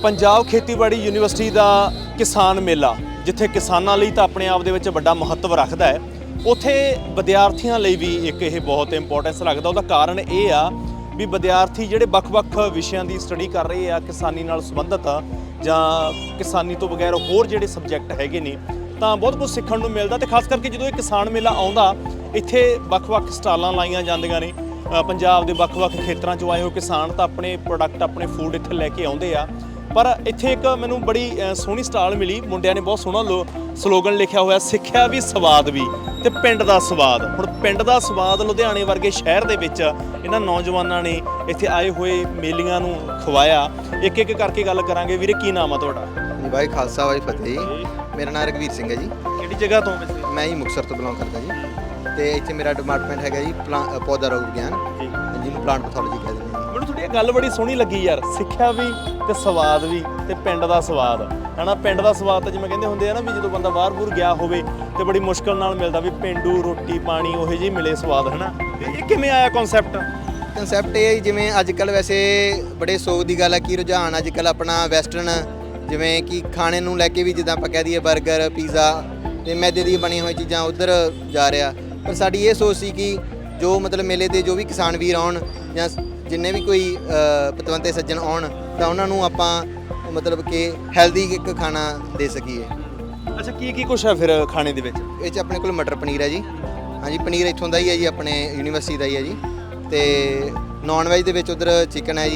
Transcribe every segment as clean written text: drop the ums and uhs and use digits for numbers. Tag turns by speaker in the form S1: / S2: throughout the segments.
S1: ਪੰਜਾਬ ਖੇਤੀਬਾੜੀ ਯੂਨੀਵਰਸਿਟੀ ਦਾ ਕਿਸਾਨ ਮੇਲਾ, ਜਿੱਥੇ ਕਿਸਾਨਾਂ ਲਈ ਤਾਂ ਆਪਣੇ ਆਪ ਦੇ ਵਿੱਚ ਵੱਡਾ ਮਹੱਤਵ ਰੱਖਦਾ ਹੈ, ਉੱਥੇ ਵਿਦਿਆਰਥੀਆਂ ਲਈ ਵੀ ਇੱਕ ਇਹ ਬਹੁਤ ਇੰਪੋਰਟੈਂਸ ਰੱਖਦਾ। ਉਹਦਾ ਕਾਰਨ ਇਹ ਆ ਵੀ ਵਿਦਿਆਰਥੀ ਜਿਹੜੇ ਵੱਖ-ਵੱਖ ਵਿਸ਼ਿਆਂ ਦੀ ਸਟੱਡੀ ਕਰ ਰਹੇ ਆ, ਕਿਸਾਨੀ ਨਾਲ ਸੰਬੰਧਿਤ ਜਾਂ ਕਿਸਾਨੀ ਤੋਂ ਬਗੈਰ ਹੋਰ ਜਿਹੜੇ ਸਬਜੈਕਟ ਹੈਗੇ ਨੇ, ਤਾਂ ਬਹੁਤ ਕੁਝ ਸਿੱਖਣ ਨੂੰ ਮਿਲਦਾ। ਤੇ ਖਾਸ ਕਰਕੇ ਜਦੋਂ ਇਹ ਕਿਸਾਨ ਮੇਲਾ ਆਉਂਦਾ, ਇੱਥੇ ਵੱਖ-ਵੱਖ ਸਟਾਲਾਂ ਲਾਈਆਂ ਜਾਂਦੀਆਂ ਨੇ। ਪੰਜਾਬ ਦੇ ਵੱਖ-ਵੱਖ ਖੇਤਰਾਂ 'ਚੋਂ ਆਏ ਹੋਏ ਕਿਸਾਨ ਤਾਂ ਆਪਣੇ ਪ੍ਰੋਡਕਟ, ਆਪਣੇ ਫੂਡ ਇੱਥੇ ਲੈ ਕੇ ਆਉਂਦੇ ਆ। ਪਰ ਇੱਥੇ ਇੱਕ ਮੈਨੂੰ ਬੜੀ ਸੋਹਣੀ ਸਟਾਲ ਮਿਲੀ, ਮੁੰਡਿਆਂ ਨੇ ਬਹੁਤ ਸੋਹਣਾ ਸਲੋਗਨ ਲਿਖਿਆ ਹੋਇਆ, ਸਿੱਖਿਆ ਵੀ ਸਵਾਦ ਵੀ ਤੇ ਪਿੰਡ ਦਾ ਸਵਾਦ। ਹੁਣ ਪਿੰਡ ਦਾ ਸਵਾਦ ਲੁਧਿਆਣੇ ਵਰਗੇ ਸ਼ਹਿਰ ਦੇ ਵਿੱਚ ਇਹਨਾਂ ਨੌਜਵਾਨਾਂ ਨੇ ਇੱਥੇ ਆਏ ਹੋਏ ਮੇਲੀਆਂ ਨੂੰ ਖਵਾਇਆ। ਇੱਕ ਇੱਕ ਕਰਕੇ ਗੱਲ ਕਰਾਂਗੇ। ਵੀਰੇ, ਕੀ ਨਾਮ ਆ ਤੁਹਾਡਾ?
S2: ਜੀ ਭਾਈ ਖਾਲਸਾ ਵਾਹਿ ਫਤਿਹ ਜੀ। ਮੇਰਾ ਨਾਮ ਰਘਵੀਰ ਸਿੰਘ ਹੈ ਜੀ।
S1: ਕਿਹੜੀ ਜਗ੍ਹਾ ਤੋਂ ਵੈਸੇ?
S2: ਮੈਂ ਜੀ ਮੁਕਤਸਰ ਤੋਂ ਬਿਲੋਂਗ ਕਰਦਾ ਜੀ। ਤੇ ਇੱਥੇ ਮੇਰਾ ਡਿਪਾਰਟਮੈਂਟ ਹੈਗਾ ਜੀ ਪੌਦਾ ਰੋਗ ਵਿਗਿਆਨ, ਜਿਹਨੂੰ ਪਲਾਂਟ ਪੈਥੋਲੋਜੀ ਕਹਿੰਦੇ ਨੇ।
S1: ਮੈਨੂੰ ਤੁਹਾਡੀ ਗੱਲ ਬੜੀ ਸੋਹਣੀ ਲੱਗੀ ਯਾਰ, ਸਿੱਖਿਆ ਵੀ ਤੇ ਸਵਾਦ ਵੀ ਤੇ ਪਿੰਡ ਦਾ ਸਵਾਦ ਹੈ ਨਾ। ਪਿੰਡ ਦਾ ਸਵਾਦ ਤਾਂ ਜਿਵੇਂ ਕਹਿੰਦੇ ਹੁੰਦੇ ਆ ਨਾ, ਵੀ ਜਦੋਂ ਬੰਦਾ ਬਾਹਰ-ਬੂਰ ਗਿਆ ਹੋਵੇ ਤੇ ਬੜੀ ਮੁਸ਼ਕਲ ਨਾਲ ਮਿਲਦਾ, ਵੀ ਪਿੰਡੂ ਰੋਟੀ ਪਾਣੀ ਉਹੋ ਜਿਹੀ ਮਿਲੇ ਸਵਾਦ, ਹੈ ਨਾ। ਇਹ ਕਿਵੇਂ ਆਇਆ ਕਨਸੈਪਟ
S2: ਇਹ ਹੈ ਜਿਵੇਂ ਅੱਜ ਕੱਲ੍ਹ ਵੈਸੇ ਬੜੇ ਸੋਗ ਦੀ ਗੱਲ ਹੈ ਕਿ ਰੁਝਾਨ ਅੱਜ ਕੱਲ੍ਹ ਆਪਣਾ ਵੈਸਟਰਨ, ਜਿਵੇਂ ਕਿ ਖਾਣੇ ਨੂੰ ਲੈ ਕੇ ਵੀ, ਜਿੱਦਾਂ ਆਪਾਂ ਕਹਿ ਦਈਏ ਬਰਗਰ, ਪੀਜ਼ਾ ਤੇ ਮੈਦੇ ਦੀਆਂ ਬਣੀਆਂ ਹੋਈਆਂ ਚੀਜ਼ਾਂ ਉੱਧਰ ਜਾ ਰਿਹਾ। ਪਰ ਸਾਡੀ ਇਹ ਸੋਚ ਸੀ ਕਿ ਜੋ ਮਤਲਬ ਮੇਲੇ 'ਤੇ ਜੋ ਵੀ ਕਿਸਾਨ ਵੀਰ ਆਉਣ ਜਾਂ ਜਿੰਨੇ ਵੀ ਕੋਈ ਪਤਵੰਤੇ ਸੱਜਣ ਆਉਣ, ਤਾਂ ਉਹਨਾਂ ਨੂੰ ਆਪਾਂ ਮਤਲਬ ਕਿ ਹੈਲਦੀ ਇੱਕ ਖਾਣਾ ਦੇ ਸਕੀਏ।
S1: ਅੱਛਾ, ਕੀ ਕੁਛ ਹੈ ਫਿਰ ਖਾਣੇ ਦੇ ਵਿੱਚ?
S2: ਇਹ 'ਚ ਆਪਣੇ ਕੋਲ ਮਟਰ ਪਨੀਰ ਹੈ ਜੀ। ਹਾਂਜੀ, ਪਨੀਰ ਇੱਥੋਂ ਦਾ ਹੀ ਹੈ ਜੀ, ਆਪਣੇ ਯੂਨੀਵਰਸਿਟੀ ਦਾ ਹੀ ਹੈ ਜੀ। ਤੇ ਨੌਨ ਵੈਜ ਦੇ ਵਿੱਚ ਉੱਧਰ ਚਿਕਨ ਹੈ ਜੀ।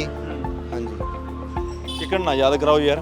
S2: ਹਾਂਜੀ,
S1: ਚਿਕਨ ਨਾ ਯਾਦ ਕਰਾਓ ਯਾਰ।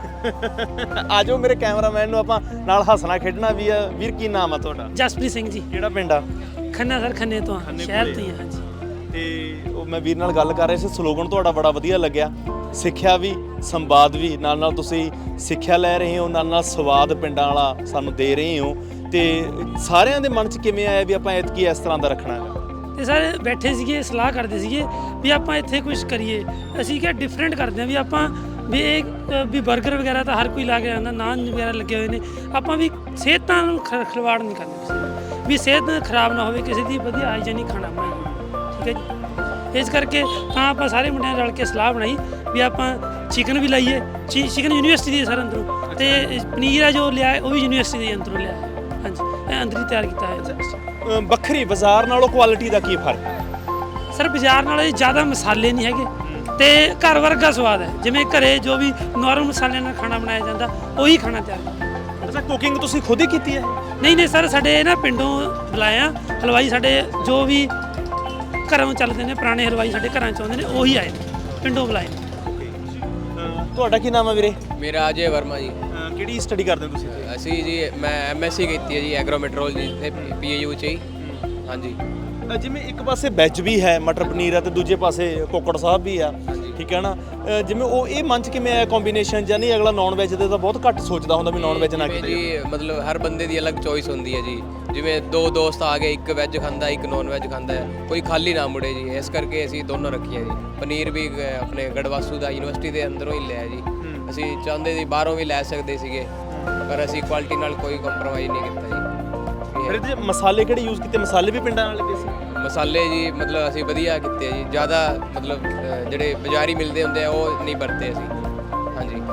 S1: ਆ ਜਾਓ ਮੇਰੇ ਕੈਮਰਾਮੈਨ ਨੂੰ ਆਪਾਂ ਨਾਲ ਹੱਸਣਾ ਖੇਡਣਾ ਵੀ ਆ। ਵੀਰ, ਕੀ ਨਾਮ ਆ ਤੁਹਾਡਾ?
S3: ਜਸਪ੍ਰੀਤ ਸਿੰਘ ਜੀ।
S1: ਕਿਹੜਾ ਪਿੰਡ ਆ?
S3: ਖੰਨਾ ਸਰ, ਖੰਨੇ ਤੋਂ ਸ਼ਹਿਰ ਤੋਂ ਹੀ। ਹਾਂਜੀ।
S1: ਤੇ ਉਹ ਮੈਂ ਵੀਰ ਨਾਲ ਗੱਲ ਕਰ ਰਿਹਾ ਸੀ, ਸਲੋਗਨ ਤੁਹਾਡਾ ਬੜਾ ਵਧੀਆ ਲੱਗਿਆ, ਸਿੱਖਿਆ ਵੀ ਸੰਵਾਦ ਵੀ। ਨਾਲ ਤੁਸੀਂ ਸਿੱਖਿਆ ਲੈ ਰਹੇ ਹੋ, ਨਾਲ ਸਵਾਦ ਪਿੰਡਾਂ ਵਾਲਾ ਸਾਨੂੰ ਦੇ ਰਹੇ ਹੋ। ਤੇ ਸਾਰਿਆਂ ਦੇ ਮਨ 'ਚ ਕਿਵੇਂ ਆਇਆ ਵੀ ਆਪਾਂ ਐਤਕੀ ਇਸ ਤਰ੍ਹਾਂ ਦਾ ਰੱਖਣਾ ਹੈਗਾ?
S3: ਤੇ ਸਰ ਬੈਠੇ ਸੀਗੇ, ਸਲਾਹ ਕਰਦੇ ਸੀਗੇ ਵੀ ਆਪਾਂ ਇੱਥੇ ਕੁਝ ਕਰੀਏ। ਅਸੀਂ ਕਿਹਾ ਡਿਫਰੈਂਟ ਕਰਦੇ ਹਾਂ, ਵੀ ਆਪਾਂ ਵੀ ਇਹ ਵੀ ਬਰਗਰ ਵਗੈਰਾ ਤਾਂ ਹਰ ਕੋਈ ਲਾ ਕੇ ਆਉਂਦਾ, ਨਾਨ ਵਗੈਰਾ ਲੱਗੇ ਹੋਏ ਨੇ। ਆਪਾਂ ਵੀ ਸਿਹਤਾਂ ਨੂੰ ਖਿਲਵਾੜ ਨਹੀਂ ਕਰਨਾ ਕਿਸੇ ਦੀ, ਵੀ ਸਿਹਤ ਖਰਾਬ ਨਾ ਹੋਵੇ ਕਿਸੇ ਦੀ, ਵਧੀਆ ਹਾਈਜੈਨਿਕ ਖਾਣਾ ਬਣਾਈਏ। ਠੀਕ ਹੈ ਜੀ। ਇਸ ਕਰਕੇ ਤਾਂ ਆਪਾਂ ਸਾਰੇ ਮੁੰਡਿਆਂ ਰਲ ਕੇ ਸਲਾਹ ਬਣਾਈ ਵੀ ਆਪਾਂ ਚਿਕਨ ਵੀ ਲਾਈਏ। ਚਿਕਨ ਯੂਨੀਵਰਸਿਟੀ ਦੀ ਸਰ ਅੰਦਰੋਂ, ਤੇ ਪਨੀਰ ਹੈ ਜੋ ਲਿਆ ਉਹ ਵੀ ਯੂਨੀਵਰਸਿਟੀ ਦੇ ਅੰਦਰੋਂ ਲਿਆ। ਹਾਂਜੀ, ਇਹ ਅੰਦਰ ਹੀ ਤਿਆਰ ਕੀਤਾ ਹੈ।
S1: ਵੱਖਰੀ ਬਾਜ਼ਾਰ ਨਾਲੋਂ ਕੁਆਲਿਟੀ ਦਾ ਕੀ ਫਰਕ ਹੈ?
S3: ਸਰ ਬਾਜ਼ਾਰ ਨਾਲੋਂ ਜ਼ਿਆਦਾ ਮਸਾਲੇ ਨਹੀਂ ਹੈਗੇ ਤੇ ਘਰ ਵਰਗਾ ਸਵਾਦ ਹੈ। ਜਿਵੇਂ ਘਰੇ ਜੋ ਵੀ ਨੋਰਮਲ ਮਸਾਲਿਆਂ ਨਾਲ ਖਾਣਾ ਬਣਾਇਆ ਜਾਂਦਾ, ਉਹੀ ਖਾਣਾ ਤਿਆਰ ਕੀਤਾ।
S1: ਅੱਛਾ, ਕੁਕਿੰਗ ਤੁਸੀਂ ਖੁਦ ਹੀ ਕੀਤੀ ਹੈ?
S3: ਨਹੀਂ ਸਰ, ਸਾਡੇ ਨਾ ਪਿੰਡੋਂ ਬੁਲਾਇਆ ਹਲਵਾਈ, ਸਾਡੇ ਜੋ ਵੀ ਘਰੋਂ ਚੱਲਦੇ ਨੇ ਪੁਰਾਣੇ ਹਲਵਾਈ ਸਾਡੇ ਘਰਾਂ 'ਚ ਆਉਂਦੇ ਨੇ, ਉਹੀ ਆਏ ਨੇ, ਪਿੰਡੋਂ ਬੁਲਾਏ ਨੇ।
S1: ਤੁਹਾਡਾ ਕੀ ਨਾਮ ਹੈ ਵੀਰੇ?
S4: ਮੇਰਾ ਅਜੇ ਵਰਮਾ ਜੀ।
S1: ਕਿਹੜੀ ਸਟੱਡੀ ਕਰਦੇ ਹੋ ਤੁਸੀਂ?
S4: ਅਸੀਂ ਜੀ ਮੈਂ ਐਮਐਸਸੀ ਕੀਤੀ ਹੈ ਜੀ ਐਗਰੋਮੈਟਰੋਲੋਜੀ ਤੇ ਪੀਏਯੂ 'ਚ ਹੀ। ਹਾਂਜੀ।
S1: ਜਿਵੇਂ ਇੱਕ ਪਾਸੇ ਵੈਜ ਵੀ ਹੈ, ਮਟਰ ਪਨੀਰ ਹੈ, ਤੇ ਦੂਜੇ ਪਾਸੇ ਕੋਕੜ ਸਾਹਿਬ ਵੀ ਆ, ਠੀਕ ਹੈ ਨਾ। ਜਿਵੇਂ ਉਹ ਇਹ ਮਨ 'ਚ ਕਿਵੇਂ ਆਇਆ ਕੰਬੀਨੇਸ਼ਨ? ਜਾਂ ਨਹੀਂ, ਅਗਲਾ ਨੌਨ ਵੈਜ ਦੇ ਤਾਂ ਬਹੁਤ ਘੱਟ ਸੋਚਦਾ ਹੁੰਦਾ ਵੀ ਨੌਨ ਵੈਜ ਨਾ ਕਿਤੇ
S4: ਜੀ। ਮਤਲਬ ਹਰ ਬੰਦੇ ਦੀ ਅਲੱਗ ਚੋਇਸ ਹੁੰਦੀ ਹੈ ਜੀ। ਜਿਵੇਂ ਦੋ ਦੋਸਤ ਆ ਗਏ, ਇੱਕ ਵੈਜ ਖਾਂਦਾ ਇੱਕ ਨੌਨ ਵੈਜ ਖਾਂਦਾ ਹੈ, ਕੋਈ ਖਾਲੀ ਨਾ ਮੁੜੇ ਜੀ। ਇਸ ਕਰਕੇ ਅਸੀਂ ਦੋਨੋਂ ਰੱਖੀਆਂ ਜੀ। ਪਨੀਰ ਵੀ ਆਪਣੇ ਗੜਵਾਸੂ ਦਾ ਯੂਨੀਵਰਸਿਟੀ ਦੇ ਅੰਦਰੋਂ ਹੀ ਲਿਆ ਜੀ। ਅਸੀਂ ਚਾਹੁੰਦੇ ਸੀ ਬਾਹਰੋਂ ਵੀ ਲੈ ਸਕਦੇ ਸੀਗੇ, ਪਰ ਅਸੀਂ ਕੁਆਲਿਟੀ ਨਾਲ ਕੋਈ ਕੰਪਰੋਮਾਈਜ਼ ਨਹੀਂ ਕੀਤਾ ਜੀ।
S1: ਫਿਰ ਇਹਦੇ ਮਸਾਲੇ ਕਿਹੜੇ ਯੂਜ਼ ਕੀਤੇ? ਮਸਾਲੇ ਵੀ ਪਿੰਡਾਂ ਵਾਲੇ ਦੇ ਸੀ?
S4: ਮਸਾਲੇ ਜੀ ਮਤਲਬ ਅਸੀਂ ਵਧੀਆ ਕੀਤੇ ਜੀ। ਜ਼ਿਆਦਾ ਮਤਲਬ ਜਿਹੜੇ ਬਾਜ਼ਾਰੀ ਮਿਲਦੇ ਹੁੰਦੇ ਆ ਉਹ ਨਹੀਂ ਵਰਤੇ ਅਸੀਂ। ਹਾਂਜੀ।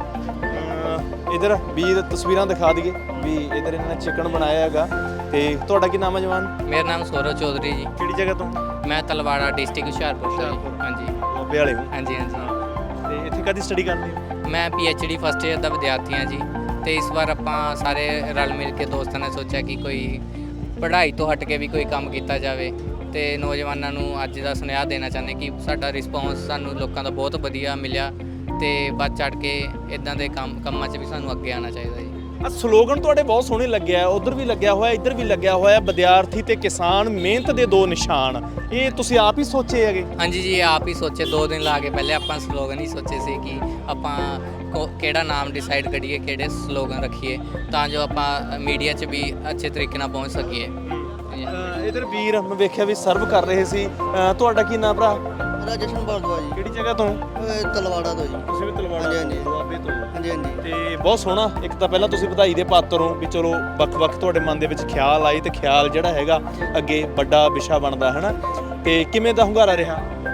S1: ਇਧਰ ਵੀਰ ਤਸਵੀਰਾਂ ਦਿਖਾ ਦਈਏ ਵੀ ਇਧਰ ਇਹਨਾਂ ਨੇ ਚਿਕਨ ਬਣਾਇਆ ਹੈਗਾ। ਤੇ ਤੁਹਾਡਾ ਕੀ ਨਾਮ ਹੈ ਜਵਾਨ?
S5: ਮੇਰਾ ਨਾਮ ਸੌਰਵ ਚੌਧਰੀ ਜੀ।
S1: ਕਿਹੜੀ ਜਗ੍ਹਾ ਤੋਂ?
S5: ਮੈਂ ਤਲਵਾੜਾ ਡਿਸਟ੍ਰਿਕਟ ਹੁਸ਼ਿਆਰਪੁਰ ਤੋਂ ਜੀ। ਹਾਂਜੀ।
S1: ਬਾਬੇ ਵਾਲੇ ਹੋ?
S5: ਹਾਂਜੀ।
S1: ਤੇ ਇੱਥੇ ਕਾਹਦੀ ਸਟੱਡੀ ਕਰਦੇ ਹੋ?
S5: ਮੈਂ PhD ਫਸਟ ਈਅਰ ਦਾ ਵਿਦਿਆਰਥੀ ਹਾਂ ਜੀ। ਤੇ ਇਸ ਵਾਰ ਆਪਾਂ ਸਾਰੇ ਰਲ ਮਿਲ ਕੇ ਦੋਸਤਾਂ ਨੇ ਸੋਚਿਆ ਕਿ ਕੋਈ ਪੜ੍ਹਾਈ ਤੋਂ ਹਟ ਕੇ ਵੀ ਕੋਈ ਕੰਮ ਕੀਤਾ ਜਾਵੇ। ਤੇ ਨੌਜਵਾਨਾਂ ਨੂੰ ਅੱਜ ਦਾ ਸੁਨੇਹਾ ਦੇਣਾ ਚਾਹੁੰਦੇ ਕਿ ਸਾਡਾ ਰਿਸਪੌਂਸ ਸਾਨੂੰ ਲੋਕਾਂ ਦਾ ਬਹੁਤ ਵਧੀਆ ਮਿਲਿਆ, ਤੇ ਵੱਧ ਚੜ੍ਹ ਕੇ ਇਦਾਂ ਦੇ ਕੰਮਾਂ 'ਚ ਵੀ ਸਾਨੂੰ ਅੱਗੇ ਆਉਣਾ ਚਾਹੀਦਾ ਜੀ।
S1: ਸਲੋਗਨ ਤੁਹਾਡੇ ਬਹੁਤ ਸੋਹਣੇ ਲੱਗਿਆ, ਉਧਰ ਵੀ ਲੱਗਿਆ ਹੋਇਆ, ਇੱਧਰ ਵੀ ਲੱਗਿਆ ਹੋਇਆ, ਵਿਦਿਆਰਥੀ ਤੇ ਕਿਸਾਨ ਮਿਹਨਤ ਦੇ ਦੋ ਨਿਸ਼ਾਨ। ਇਹ ਤੁਸੀਂ ਆਪ ਹੀ ਸੋਚੇ ਹੈਗੇ?
S5: ਹਾਂਜੀ ਜੀ, ਆਪ ਹੀ ਸੋਚੇ। 2 ਦਿਨ ਲਾ ਕੇ ਪਹਿਲੇ ਆਪਾਂ ਸਲੋਗਨ ਹੀ ਸੋਚੇ ਸੀ ਕਿ ਆਪਾਂ ਕਿਹੜਾ ਨਾਮ ਡਿਸਾਈਡ ਕਰੀਏ, ਕਿਹੜੇ ਸਲੋਗਨ ਰੱਖੀਏ, ਤਾਂ ਜੋ ਆਪਾਂ ਮੀਡੀਆ 'ਚ ਵੀ ਅੱਛੇ ਤਰੀਕੇ ਨਾਲ ਪਹੁੰਚ ਸਕੀਏ।
S1: ਇਧਰ ਵੀਰ ਮੈਂ ਵੇਖਿਆ ਵੀ ਸਰਵ ਕਰ ਰਹੇ ਸੀ। ਤੁਹਾਡਾ ਕੀ ਨਾਮ ਭਰਾ?
S6: ਰਾਜੇਸ਼ਨ ਭਾਰਦਵਾਜ ਜੀ।
S1: ਕਿਹੜੀ ਜਗ੍ਹਾ ਤੋਂ?
S6: ਤਲਵਾੜਾ ਤੋਂ ਜੀ।
S1: ਤੁਸੀਂ ਵੀ ਤਲਵਾੜਾ?
S6: ਹਾਂਜੀ।
S1: ਦੁਆਬੇ ਤੋਂ?
S6: ਹਾਂਜੀ।
S1: ਤੇ ਬਹੁਤ ਸੋਹਣਾ। ਇੱਕ ਤਾਂ ਪਹਿਲਾਂ ਤੁਸੀਂ ਵਧਾਈ ਦੇ ਪਾਤਰ ਹੋ ਵੀ ਚਲੋ ਵੱਖ-ਵੱਖ ਤੁਹਾਡੇ ਮਨ ਦੇ ਵਿੱਚ ਖਿਆਲ ਆਏ, ਤੇ ਖਿਆਲ ਜਿਹੜਾ ਹੈਗਾ ਅੱਗੇ ਵੱਡਾ ਵਿਸ਼ਾ ਬਣਦਾ ਹੈ ਨਾ। ਤੇ ਕਿਵੇਂ ਦਾ ਹੁੰਗਾਰਾ ਰਿਹਾ?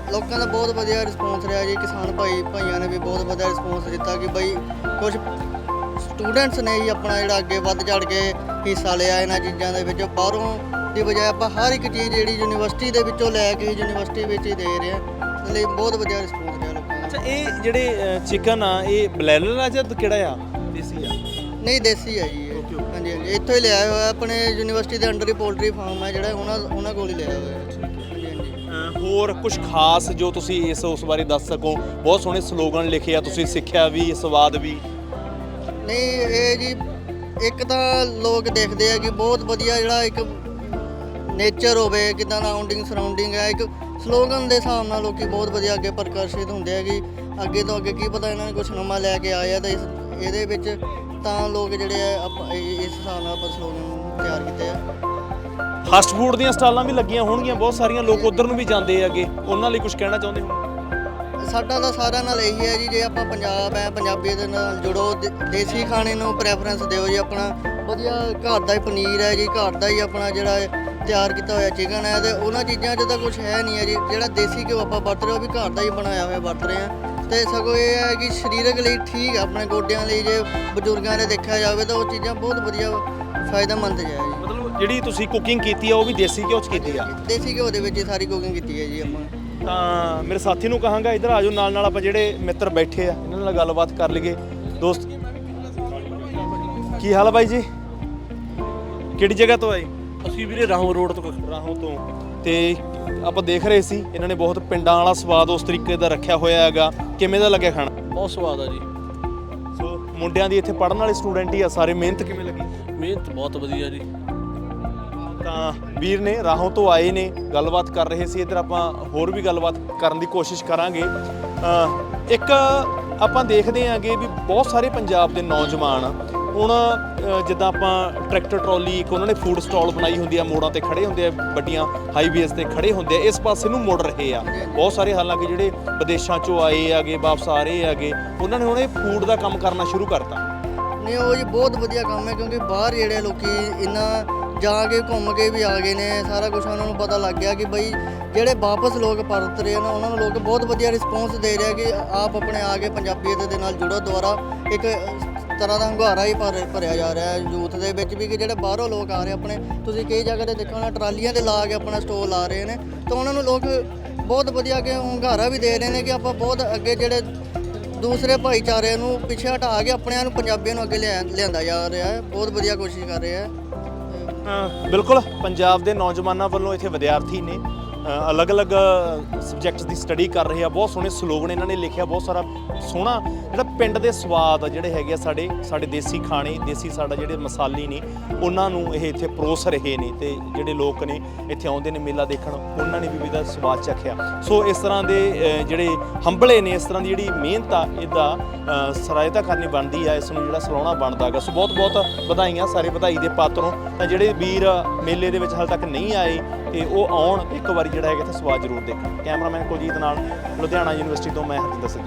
S6: ਲੋਕਾਂ ਦਾ ਬਹੁਤ ਵਧੀਆ ਰਿਸਪੌਂਸ ਰਿਹਾ ਜੀ। ਕਿਸਾਨ ਭਾਈਆਂ ਨੇ ਵੀ ਬਹੁਤ ਵਧੀਆ ਰਿਸਪੌਂਸ ਦਿੱਤਾ ਕਿ ਬਈ ਕੁਝ ਸਟੂਡੈਂਟਸ ਨੇ ਜੀ ਆਪਣਾ ਜਿਹੜਾ ਅੱਗੇ ਵੱਧ ਚੜ ਕੇ ਹਿੱਸਾ ਲਿਆ ਇਹਨਾਂ ਚੀਜ਼ਾਂ ਦੇ ਵਿੱਚ। ਬਾਹਰੋਂ ਦੀ ਬਜਾਏ ਆਪਾਂ ਹਰ ਇੱਕ ਚੀਜ਼ ਜਿਹੜੀ ਯੂਨੀਵਰਸਿਟੀ ਦੇ ਵਿੱਚੋਂ ਲੈ ਕੇ ਯੂਨੀਵਰਸਿਟੀ ਵਿੱਚ ਹੀ ਦੇ ਰਹੇ ਹਾਂ, ਇਸ ਲਈ ਬਹੁਤ ਵਧੀਆ ਰਿਸਪੌਂਸ ਰਿਹਾ ਲੋਕਾਂ ਦਾ।
S1: ਅੱਛਾ, ਇਹ ਜਿਹੜੇ ਚਿਕਨ ਆ ਇਹ ਬਲੈਲਰ ਆ ਜਾਂ ਕਿਹੜਾ ਆ, ਦੇਸੀ ਆ?
S6: ਨਹੀਂ, ਦੇਸੀ ਹੈ ਜੀ ਇਹ। ਹਾਂਜੀ ਹਾਂਜੀ, ਇੱਥੋਂ ਹੀ ਲਿਆਇਆ ਹੋਇਆ, ਆਪਣੇ ਯੂਨੀਵਰਸਿਟੀ ਦੇ ਅੰਡਰ ਹੀ ਪੋਲਟਰੀ ਫਾਰਮ ਹੈ ਜਿਹੜਾ, ਉਹਨਾਂ ਕੋਲ ਹੀ ਲਿਆ ਹੋਇਆ ਹੈ। ਹਾਂਜੀ ਹਾਂਜੀ।
S1: ਹੋਰ ਕੁਝ ਖਾਸ ਜੋ ਤੁਸੀਂ ਉਸ ਬਾਰੇ ਦੱਸ ਸਕੋ? ਬਹੁਤ ਸੋਹਣੇ ਸਲੋਗਨ ਲਿਖੇ ਆ, ਤੁਸੀਂ ਸਿੱਖਿਆ ਵੀ, ਸਵਾਦ ਵੀ।
S6: ਨਹੀਂ, ਇਹ ਜੀ ਇੱਕ ਤਾਂ ਲੋਕ ਦੇਖਦੇ ਆ ਕਿ ਬਹੁਤ ਵਧੀਆ ਜਿਹੜਾ ਇੱਕ ਨੇਚਰ ਹੋਵੇ, ਕਿੱਦਾਂ ਦਾ ਸਰਾਊਂਡਿੰਗ ਹੈ, ਇੱਕ ਸਲੋਗਨ ਦੇ ਹਿਸਾਬ ਨਾਲ ਲੋਕੀ ਬਹੁਤ ਵਧੀਆ ਅੱਗੇ ਪ੍ਰਕਾਸ਼ਿਤ ਹੁੰਦੇ ਆ ਕਿ ਅੱਗੇ ਤੋਂ ਅੱਗੇ ਕੀ ਪਤਾ ਇਹਨਾਂ ਨੇ ਕੁਝ ਨਵਾਂ ਲੈ ਕੇ ਆਏ ਆ ਤਾਂ ਇਹਦੇ ਵਿੱਚ ਤਾਂ ਲੋਕ ਜਿਹੜੇ ਆ ਇਸ ਹਿਸਾਬ ਨਾਲ ਆਪਾਂ ਸਲੋਗਨ ਤਿਆਰ ਕੀਤੇ ਆ।
S1: ਫਾਸਟ ਫੂਡ ਦੀਆਂ ਸਟਾਲਾਂ ਵੀ ਲੱਗੀਆਂ ਹੋਣਗੀਆਂ ਬਹੁਤ ਸਾਰੀਆਂ, ਲੋਕ ਉਧਰ ਨੂੰ ਵੀ ਜਾਂਦੇ ਹੈਗੇ, ਉਹਨਾਂ ਲਈ ਕੁਝ ਕਹਿਣਾ ਚਾਹੁੰਦੇ ਹੋ?
S6: ਸਾਡਾ ਤਾਂ ਸਾਰਿਆਂ ਨਾਲ ਇਹੀ ਹੈ ਜੀ, ਜੇ ਆਪਾਂ ਪੰਜਾਬ ਹੈ, ਪੰਜਾਬੀ ਦੇ ਨਾਲ ਜੁੜੋ, ਦੇਸੀ ਖਾਣੇ ਨੂੰ ਪ੍ਰੈਫਰੈਂਸ ਦਿਓ ਜੀ। ਆਪਣਾ ਵਧੀਆ ਘਰ ਦਾ ਹੀ ਪਨੀਰ ਹੈ ਜੀ, ਘਰ ਦਾ ਹੀ ਆਪਣਾ ਜਿਹੜਾ ਤਿਆਰ ਕੀਤਾ ਹੋਇਆ ਚਿਕਨ ਹੈ, ਤੇ ਉਹਨਾਂ ਚੀਜ਼ਾਂ 'ਚ ਤਾਂ ਕੁਝ ਹੈ ਨਹੀਂ ਹੈ ਜੀ। ਜਿਹੜਾ ਦੇਸੀ ਘਿਓ ਆਪਾਂ ਵਰਤ ਰਹੇ ਉਹ ਵੀ ਘਰ ਦਾ ਹੀ ਬਣਾਇਆ ਹੋਇਆ ਵਰਤ ਰਹੇ ਹਾਂ, ਤੇ ਸਗੋਂ ਇਹ ਹੈ ਕਿ ਸਰੀਰਕ ਲਈ ਠੀਕ ਹੈ, ਆਪਣੇ ਗੋਡਿਆਂ ਲਈ ਜੇ ਬਜ਼ੁਰਗਾਂ ਦੇ ਦੇਖਿਆ ਜਾਵੇ ਤਾਂ ਉਹ ਚੀਜ਼ਾਂ ਬਹੁਤ ਵਧੀਆ ਫਾਇਦੇਮੰਦ ਹੈ ਜੀ।
S1: ਮਤਲਬ ਜਿਹੜੀ ਤੁਸੀਂ ਕੁਕਿੰਗ ਕੀਤੀ ਆ ਉਹ ਵੀ ਦੇਸੀ ਘਿਓ 'ਚ ਕੀਤੀ ਆ?
S6: ਦੇਸੀ ਘਿਓ ਦੇ ਵਿੱਚ ਹੀ ਸਾਰੀ ਕੁਕਿੰਗ ਕੀਤੀ ਹੈ ਜੀ ਆਪਾਂ।
S1: ਤਾਂ ਮੇਰੇ ਸਾਥੀ ਨੂੰ ਕਹਾਂਗਾ ਇੱਧਰ ਆ ਜਾਓ, ਨਾਲ ਆਪਾਂ ਜਿਹੜੇ ਮਿੱਤਰ ਬੈਠੇ ਆ ਇਹਨਾਂ ਨਾਲ ਗੱਲਬਾਤ ਕਰ ਲਈਏ। ਦੋਸਤ, ਕੀ ਹਾਲ ਆ ਬਾਈ ਜੀ? ਕਿਹੜੀ ਜਗ੍ਹਾ ਤੋਂ ਆਏ?
S7: ਅਸੀਂ ਵੀਰੇ ਰਾਹੋਂ ਰੋਡ ਤੋਂ।
S1: ਰਾਹੋਂ ਤੋਂ। ਤੇ ਆਪਾਂ ਦੇਖ ਰਹੇ ਸੀ ਇਹਨਾਂ ਨੇ ਬਹੁਤ ਪਿੰਡਾਂ ਵਾਲਾ ਸਵਾਦ ਉਸ ਤਰੀਕੇ ਦਾ ਰੱਖਿਆ ਹੋਇਆ ਹੈਗਾ, ਕਿਵੇਂ ਦਾ ਲੱਗਿਆ ਖਾਣਾ?
S7: ਬਹੁਤ ਸਵਾਦ ਆ ਜੀ।
S1: ਸੋ ਮੁੰਡਿਆਂ ਦੀ ਇੱਥੇ ਪੜ੍ਹਨ ਵਾਲੇ ਸਟੂਡੈਂਟ ਹੀ ਆ ਸਾਰੇ, ਮਿਹਨਤ ਕਿਵੇਂ ਲੱਗੀ?
S7: ਮਿਹਨਤ ਬਹੁਤ ਵਧੀਆ ਜੀ।
S1: ਤਾਂ ਵੀਰ ਨੇ ਰਾਹੋਂ ਤੋਂ ਆਏ ਨੇ, ਗੱਲਬਾਤ ਕਰ ਰਹੇ ਸੀ। ਇੱਧਰ ਆਪਾਂ ਹੋਰ ਵੀ ਗੱਲਬਾਤ ਕਰਨ ਦੀ ਕੋਸ਼ਿਸ਼ ਕਰਾਂਗੇ। ਇੱਕ ਆਪਾਂ ਦੇਖਦੇ ਆਂਗੇ ਵੀ ਬਹੁਤ ਸਾਰੇ ਪੰਜਾਬ ਦੇ ਨੌਜਵਾਨ ਹੁਣ ਜਿੱਦਾਂ ਆਪਾਂ ਟਰੈਕਟਰ ਟਰਾਲੀ, ਇੱਕ ਉਹਨਾਂ ਨੇ ਫੂਡ ਸਟਾਲ ਬਣਾਈ ਹੁੰਦੀ ਆ, ਮੋੜਾਂ ਤੇ ਖੜੇ ਹੁੰਦੇ ਆ, ਵੱਡੀਆਂ ਹਾਈਵੇਜ਼ ਤੇ ਖੜੇ ਹੁੰਦੇ ਆ, ਇਸ ਪਾਸੇ ਨੂੰ ਮੁੜ ਰਹੇ ਆ ਬਹੁਤ ਸਾਰੇ। ਹਾਲਾਂਕਿ ਜਿਹੜੇ ਵਿਦੇਸ਼ਾਂ ਚੋਂ ਆਏ ਹੈਗੇ, ਵਾਪਸ ਆ ਰਹੇ ਹੈਗੇ, ਉਹਨਾਂ ਨੇ ਹੁਣ ਇਹ ਫੂਡ ਦਾ ਕੰਮ ਕਰਨਾ ਸ਼ੁਰੂ ਕਰਤਾ।
S6: ਨਹੀਂ, ਉਹ ਜੀ ਬਹੁਤ ਵਧੀਆ ਕੰਮ ਹੈ, ਕਿਉਂਕਿ ਬਾਹਰ ਜਿਹੜੇ ਲੋਕੀ ਇੰਨਾ ਜਾ ਕੇ ਘੁੰਮ ਕੇ ਵੀ ਆ ਗਏ ਨੇ, ਸਾਰਾ ਕੁਝ ਉਹਨਾਂ ਨੂੰ ਪਤਾ ਲੱਗ ਗਿਆ ਕਿ ਬਈ ਜਿਹੜੇ ਵਾਪਸ ਲੋਕ ਪਰਤ ਰਹੇ ਨੇ ਉਹਨਾਂ ਨੂੰ ਲੋਕ ਬਹੁਤ ਵਧੀਆ ਰਿਸਪੌਂਸ ਦੇ ਰਹੇ ਕਿ ਆਪ ਆਪਣੇ ਆ ਕੇ ਪੰਜਾਬੀਅਤ ਦੇ ਨਾਲ ਜੁੜੋ। ਦੁਆਰਾ ਇੱਕ ਤਰ੍ਹਾਂ ਦਾ ਹੰਗਾਰਾ ਹੀ ਭਰਿਆ ਜਾ ਰਿਹਾ ਹੈ ਯੂਥ ਦੇ ਵਿੱਚ ਵੀ, ਕਿ ਜਿਹੜੇ ਬਾਹਰੋਂ ਲੋਕ ਆ ਰਹੇ ਆਪਣੇ, ਤੁਸੀਂ ਕਈ ਜਗ੍ਹਾ ਤੇ ਦੇਖੋ ਟਰਾਲੀਆਂ ਤੇ ਲਾ ਕੇ ਆਪਣਾ ਸਟੋਲ ਲਾ ਰਹੇ ਨੇ, ਤਾਂ ਉਹਨਾਂ ਨੂੰ ਲੋਕ ਬਹੁਤ ਵਧੀਆ ਕਿ ਹੰਗਾਰਾ ਵੀ ਦੇ ਰਹੇ ਨੇ ਕਿ ਆਪਾਂ ਬਹੁਤ ਅੱਗੇ ਜਿਹੜੇ ਦੂਸਰੇ ਭਾਈਚਾਰੇ ਨੂੰ ਪਿੱਛੇ ਹਟਾ ਕੇ ਆਪਣਿਆਂ ਨੂੰ, ਪੰਜਾਬੀਆਂ ਨੂੰ ਅੱਗੇ ਲਿਆਂਦਾ ਜਾ ਰਿਹਾ ਹੈ। ਬਹੁਤ ਵਧੀਆ ਕੋਸ਼ਿਸ਼ ਕਰ ਰਹੇ ਹੈ।
S1: ਬਿਲਕੁਲ, ਪੰਜਾਬ ਦੇ ਨੌਜਵਾਨਾਂ ਵੱਲੋਂ ਇੱਥੇ ਵਿਦਿਆਰਥੀ ਨੇ ਅਲੱਗ-ਅਲੱਗ ਸਬਜੈਕਟਸ ਦੀ ਸਟੱਡੀ ਕਰ ਰਹੇ ਆ। ਬਹੁਤ ਸੋਹਣੇ ਸਲੋਗਨ ਇਹਨਾਂ ਨੇ ਲਿਖਿਆ, ਬਹੁਤ ਸਾਰਾ ਸੋਹਣਾ ਜਿਹੜਾ ਪਿੰਡ ਦੇ ਸਵਾਦ ਜਿਹੜੇ ਹੈਗੇ ਆ, ਸਾਡੇ ਦੇਸੀ ਖਾਣੇ, ਦੇਸੀ ਸਾਡਾ ਜਿਹੜੇ ਮਸਾਲੇ ਨੇ ਉਹਨਾਂ ਨੂੰ ਇਹ ਇੱਥੇ ਪਰੋਸ ਰਹੇ ਨੇ, ਤੇ ਜਿਹੜੇ ਲੋਕ ਨੇ ਇੱਥੇ ਆਉਂਦੇ ਨੇ ਮੇਲਾ ਦੇਖਣ, ਉਹਨਾਂ ਨੇ ਵੀ ਇਹਦਾ ਸਵਾਦ ਚੱਖਿਆ। ਸੋ ਇਸ ਤਰ੍ਹਾਂ ਦੇ ਜਿਹੜੇ ਹੰਬਲੇ ਨੇ, ਇਸ ਤਰ੍ਹਾਂ ਦੀ ਜਿਹੜੀ ਮਿਹਨਤ ਆ, ਇਹਦਾ ਸਰਾਇਤਾ ਕਰਨੀ ਬਣਦੀ ਆ, ਇਸ ਨੂੰ ਜਿਹੜਾ ਸਲਾਉਣਾ ਬਣਦਾ ਹੈਗਾ। ਸੋ ਬਹੁਤ-ਬਹੁਤ ਵਧਾਈਆਂ ਸਾਰੇ ਵਧਾਈ ਦੇ ਪਾਤਰੋਂ। ਤਾਂ ਜਿਹੜੇ ਵੀਰ ਮੇਲੇ ਦੇ ਵਿੱਚ ਹਾਲੇ ਤੱਕ ਨਹੀਂ ਆਏ ਤੇ ਉਹ ਆਉਣ, ਇੱਕ ਵਾਰੀ ਜਿਹੜਾ ਹੈਗਾ ਇੱਥੇ ਸਵਾਦ ਜ਼ਰੂਰ ਦੇਖਣ। ਕੈਮਰਾਮੈਨ ਕੁਲਜੀਤ ਨਾਲ, ਲੁਧਿਆਣਾ ਯੂਨੀਵਰਸਿਟੀ ਤੋਂ ਮੈਂ ਹਰਜਿੰਦਰ ਸਿੰਘ।